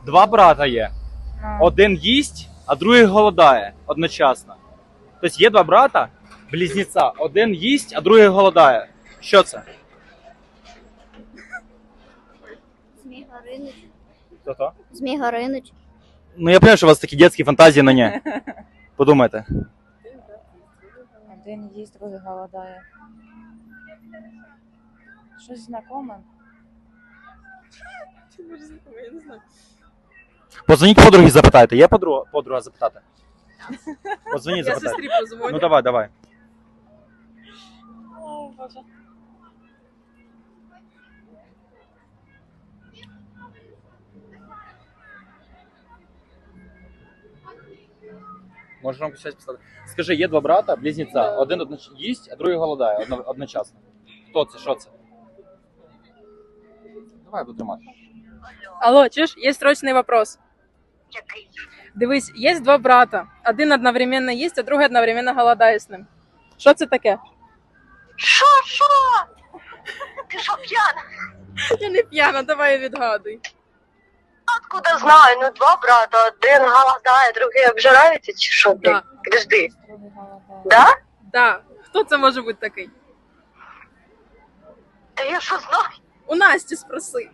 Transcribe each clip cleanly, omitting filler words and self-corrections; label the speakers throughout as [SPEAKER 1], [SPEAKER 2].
[SPEAKER 1] Два брата є. Один їсть, а другий голодає одночасно. Тобто є два брата, близнеця. Один їсть, а другий голодає. Що це?
[SPEAKER 2] Змій Горинич.
[SPEAKER 1] Хто-то?
[SPEAKER 2] Змій Горинич.
[SPEAKER 1] Ну я розумію, що у вас такі дитячі фантазії, але ні. Подумайте.
[SPEAKER 3] Один їсть, другий голодає. Щось знакоме?
[SPEAKER 4] Я не знаю.
[SPEAKER 1] Позвоніть подругі, запитайте. Є подруга запитати? Позвоніть,
[SPEAKER 4] Я
[SPEAKER 1] запитайте.
[SPEAKER 4] сестрі позвоню.
[SPEAKER 1] Ну давай.
[SPEAKER 4] О, Боже.
[SPEAKER 1] Можеш рамку щось писати. Скажи, є два брата, близнеця. Один їсть, а другий голодає одночасно. Хто це? Що це? Давай буду тримати.
[SPEAKER 4] Алло, чуєш, є срочний вопрос. Дивись, є два брата. Один одновременно їсть, а другий одновременно голодає з ним. Що це таке?
[SPEAKER 5] Що? Ти що, п'яна?
[SPEAKER 4] Я не п'яна, давай відгадуй.
[SPEAKER 5] Откуда знаю? Ну, два брата, один голодає, другий обжирається, чи що, блін?
[SPEAKER 4] Да.
[SPEAKER 5] Підожди.
[SPEAKER 3] Другий голодає.
[SPEAKER 5] Да?
[SPEAKER 4] Да. Хто це може бути такий?
[SPEAKER 5] Та я що знаю?
[SPEAKER 4] У Насті спроси.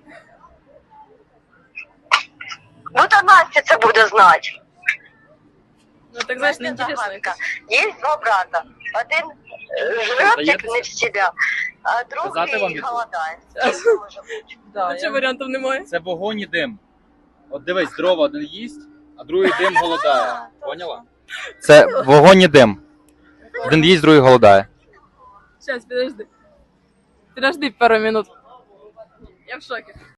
[SPEAKER 5] Ну, та Настя це буде знати.
[SPEAKER 4] Ну так знаєш, не
[SPEAKER 5] Настя
[SPEAKER 4] інтересно.
[SPEAKER 5] загадка. Є два брата. Один жрет, як не в себе, а
[SPEAKER 1] Сказати вам
[SPEAKER 5] другий
[SPEAKER 1] відповідь?
[SPEAKER 5] голодає. Що це може бути?
[SPEAKER 3] Да,
[SPEAKER 4] Ну, чого варіантів немає?
[SPEAKER 1] Це вогонь і дим. От дивись, дрова один їсть, а другий дим голодає. Поняла? Це вогонь і дим. Один їсть, другий голодає.
[SPEAKER 4] Сейчас, подожди. Подожди пару минут. Я в шоке.